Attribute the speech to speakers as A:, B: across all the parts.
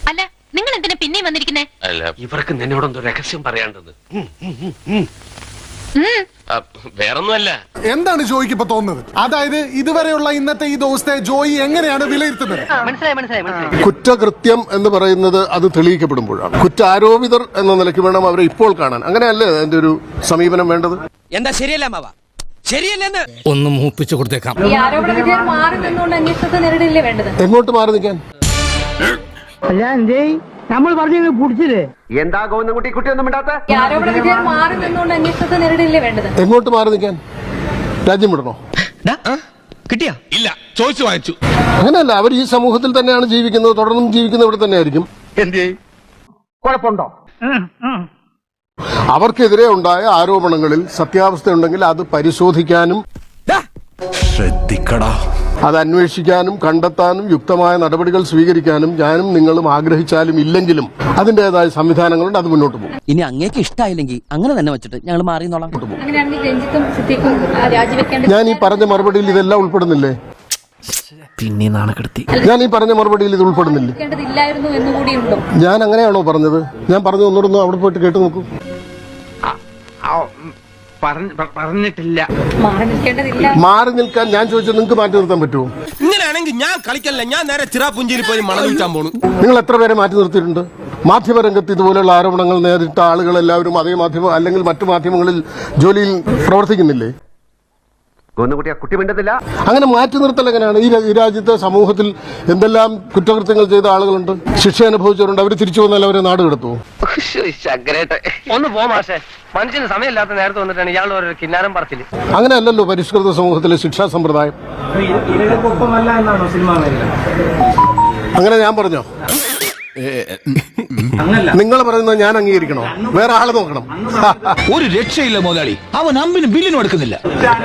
A: അല്ല നിങ്ങൾ എന്തിനാ പിന്നെയും വന്നിരിക്കുന്നേ?
B: ഇവർക്ക് നിന്നോടൊന്നും രഹസ്യം പറയാണ്ടത്. വേറൊന്നുമല്ല.
C: എന്താണ് ജോയിക്ക് ഇപ്പൊ തോന്നുന്നത്? അതായത് ഇതുവരെയുള്ള ഇന്നത്തെ ഈ ദിവസത്തെ ജോയി എങ്ങനെയാണ് വിലയിരുത്തുന്നത്?
D: കുറ്റകൃത്യം എന്ന് പറയുന്നത് അത് തെളിയിക്കപ്പെടുമ്പോഴാണ്. കുറ്റാരോപിതർ എന്ന നിലയ്ക്ക് വേണം അവരെ ഇപ്പോൾ കാണാൻ. അങ്ങനെയല്ലേ അതിന്റെ ഒരു സമീപനം വേണ്ടത്?
E: എന്താ ശരിയല്ല മാവ? ശരിയല്ലെന്ന്
F: ഒന്ന് മൂപ്പിച്ചു കൊടുത്തേക്കാം.
G: ഈ ആരോപണ വിധേയർ മാറി നിന്നുകൊണ്ട് അന്വേഷണത്തെ നേരിടില്ലേ വേണ്ടത്?
D: എങ്ങോട്ട് മാറി നിൽക്കാൻ?
H: നമ്മൾ പറഞ്ഞു പിടിച്ചില്ലേ?
B: എന്താ ഗോവിന്ദൻകുട്ടി കുട്ടിയൊന്നും ഇണ്ടാത്ത?
G: ഈ ആരോപണ വിധേയർ മാറി നിന്നുകൊണ്ട് അന്വേഷണത്തെ നേരിടില്ലേ വേണ്ടത്?
D: എങ്ങോട്ട് മാറി നിൽക്കാൻ? രാജ്യം വിടണോ?
E: കിട്ടിയാ?
F: ഇല്ല, ചോദിച്ചു വാങ്ങിച്ചു.
D: അങ്ങനെയല്ല, അവർ ഈ സമൂഹത്തിൽ തന്നെയാണ് ജീവിക്കുന്നത്, തുടർന്നും ജീവിക്കുന്നത് ഇവിടെ തന്നെ ആയിരിക്കും.
B: കുഴപ്പമുണ്ടോ?
D: അവർക്കെതിരെ ഉണ്ടായ ആരോപണങ്ങളിൽ സത്യാവസ്ഥ ഉണ്ടെങ്കിൽ അത് പരിശോധിക്കാനും
F: ശ്രദ്ധിക്കടാ,
D: അത് അന്വേഷിക്കാനും കണ്ടെത്താനും യുക്തമായ നടപടികൾ സ്വീകരിക്കാനും ഞാനും നിങ്ങളും ആഗ്രഹിച്ചാലും ഇല്ലെങ്കിലും അതിന്റേതായ സംവിധാനങ്ങളുണ്ട്. അത് മുന്നോട്ട് പോകും.
E: ഇനി അങ്ങേക്ക് ഇഷ്ടമായില്ലെങ്കിൽ അങ്ങനെ തന്നെ വെച്ചിട്ട് ഞങ്ങൾ മാറിന്നോളാം.
G: അങ്ങനെയാണെങ്കിൽ രഞ്ജിത്തും സിദ്ദീഖും രാജിവെക്കേണ്ട.
D: ഞാൻ ഈ പറഞ്ഞ മറുപടിയിൽ ഇതെല്ലാം ഉൾപ്പെടുന്നില്ലേ?
E: പിന്നെ നാണക്കെടുത്തി.
D: ഞാൻ ഈ പറഞ്ഞ മറുപടിയിൽ ഇത് ഉൾപ്പെടുന്നില്ലേ?
G: ഇല്ലായിരുന്നു എന്നുകൂടിയുണ്ടോ?
D: ഞാൻ അങ്ങനെയാണോ പറഞ്ഞത്? ഞാൻ പറഞ്ഞു ഒന്നുകൂടെ അവിടെ പോയിട്ട് കേട്ടു നോക്കൂ.
B: പറഞ്ഞിട്ടില്ല.
G: മാറി നിൽക്കേണ്ടതില്ല.
D: മാറി നിൽക്കാൻ ഞാൻ ചോദിച്ചത് നിങ്ങൾക്ക് മാറ്റി നിർത്താൻ പറ്റുമോ?
E: ഇങ്ങനെയാണെങ്കിൽ ഞാൻ കളിക്കല്ല, ഞാൻ നേരെ ചിറാപുഞ്ചിയിൽ പോയി മണം വിൽക്കാൻ പോണു.
D: നിങ്ങൾ എത്ര പേരെ മാറ്റി നിർത്തിയിട്ടുണ്ട്? മാധ്യമരംഗത്ത് ഇതുപോലെയുള്ള ആരോപണങ്ങൾ നേരിട്ട ആളുകൾ എല്ലാവരും അതേ മാധ്യമം അല്ലെങ്കിൽ മറ്റു മാധ്യമങ്ങളിൽ ജോലിയിൽ പ്രവർത്തിക്കുന്നില്ലേ?
B: ഗോവിന്ദൻകുട്ടി കുട്ടി മിണ്ടത്തില്ല.
D: അങ്ങനെ മാറ്റി നിർത്തൽ എങ്ങനെയാണ്? ഈ രാജ്യത്തെ സമൂഹത്തിൽ എന്തെല്ലാം കുറ്റകൃത്യങ്ങൾ ചെയ്ത ആളുകളുണ്ട്, ശിക്ഷ അനുഭവിച്ചവരുണ്ട്. അവർ തിരിച്ചു വന്നാൽ അവരെ നാട് കടത്തുമോ?
B: ഒന്ന് പോ മാഷേ, മനുഷ്യന് സമയമില്ലാത്ത നേരത്തെ വന്നിട്ടാണ് ഇയാൾ ഓരോ കിന്നാരം പറച്ചില്.
D: അങ്ങനെയല്ലല്ലോ പരിഷ്കൃത സമൂഹത്തിലെ ശിക്ഷാ സമ്പ്രദായം. അങ്ങനെ ഞാൻ പറഞ്ഞോ? നിങ്ങൾ പറയുന്നത് ഞാൻ അംഗീകരിക്കണോ? വേറെ ആളെ നോക്കണം.
F: ഒരു രക്ഷയില്ല മുതലാളി, അവൻ അമ്പിന് ബില്ലിനും എടുക്കുന്നില്ല.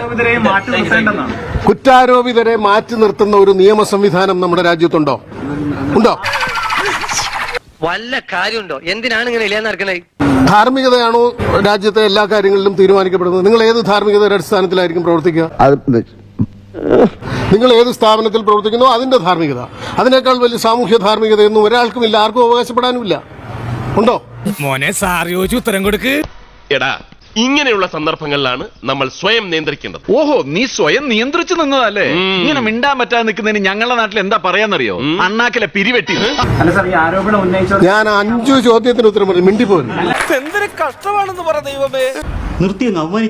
D: കുറ്റാരോപിതരെ മാറ്റി നിർത്തുന്ന ഒരു നിയമ സംവിധാനം നമ്മുടെ രാജ്യത്തുണ്ടോ? ഉണ്ടോ?
B: വല്ല കാര്യമുണ്ടോ? എന്തിനാണ് ഇങ്ങനെ ഇല്ലാന്ന് നടക്കണേ?
D: ധാർമ്മികതയാണോ രാജ്യത്തെ എല്ലാ കാര്യങ്ങളിലും തീരുമാനിക്കപ്പെടുന്നത്? നിങ്ങൾ ഏത് ധാർമ്മികതയുടെ അടിസ്ഥാനത്തിലായിരിക്കും പ്രവർത്തിക്കുക? നിങ്ങൾ ഏത് സ്ഥാപനത്തിൽ പ്രവർത്തിക്കുന്നോ അതിന്റെ ധാർമ്മികത. അതിനേക്കാൾ വലിയ സാമൂഹ്യ ധാർമ്മികതയൊന്നും ഒരാൾക്കുമില്ല, ആർക്കും അവകാശപ്പെടാനുമില്ല. ഉണ്ടോ?
F: മോനെ സാർ ചോദിച്ചു ഉത്തരം കൊടുക്ക്.
I: എടാ, ഇങ്ങനെയുള്ള സന്ദർഭങ്ങളിലാണ് നമ്മൾ സ്വയം നിയന്ത്രിക്കേണ്ടത്.
J: ഓഹോ, നീ സ്വയം നിയന്ത്രിച്ചു നിന്നതല്ലേ? ഇങ്ങനെ മിണ്ടാൻ പറ്റാതെ നിൽക്കുന്നതിന് ഞങ്ങളുടെ നാട്ടിൽ എന്താ പറയാന്നറിയോ? അണ്ണാക്കിലെ പിരിവെട്ടി.
D: ഞാൻ 5 ചോദ്യത്തിന് ഉത്തരം പറഞ്ഞു, മിണ്ടിപ്പോലും.
E: എന്തൊരു കഷ്ടമാണെന്ന് പറ ദൈവമേ.
D: നിർത്തി.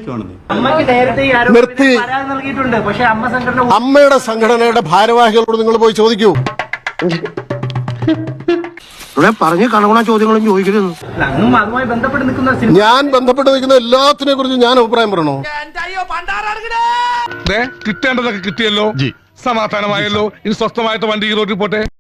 D: അമ്മയുടെ സംഘടനയുടെ ഭാരവാഹികളോട് നിങ്ങൾ പോയി ചോദിക്കൂ.
B: പറഞ്ഞ കണകുണ ചോദ്യങ്ങളും ചോദിക്കരുത്.
D: ഞാൻ ബന്ധപ്പെട്ട് നിൽക്കുന്ന എല്ലാത്തിനെ കുറിച്ച് ഞാൻ അഭിപ്രായം പറയണോ?
F: കിട്ടേണ്ടതൊക്കെ കിട്ടിയല്ലോ, സമാധാനമായല്ലോ. ഇനി സ്വസ്ഥമായിട്ട് വണ്ടി ഈ റോഡിൽ പോട്ടെ.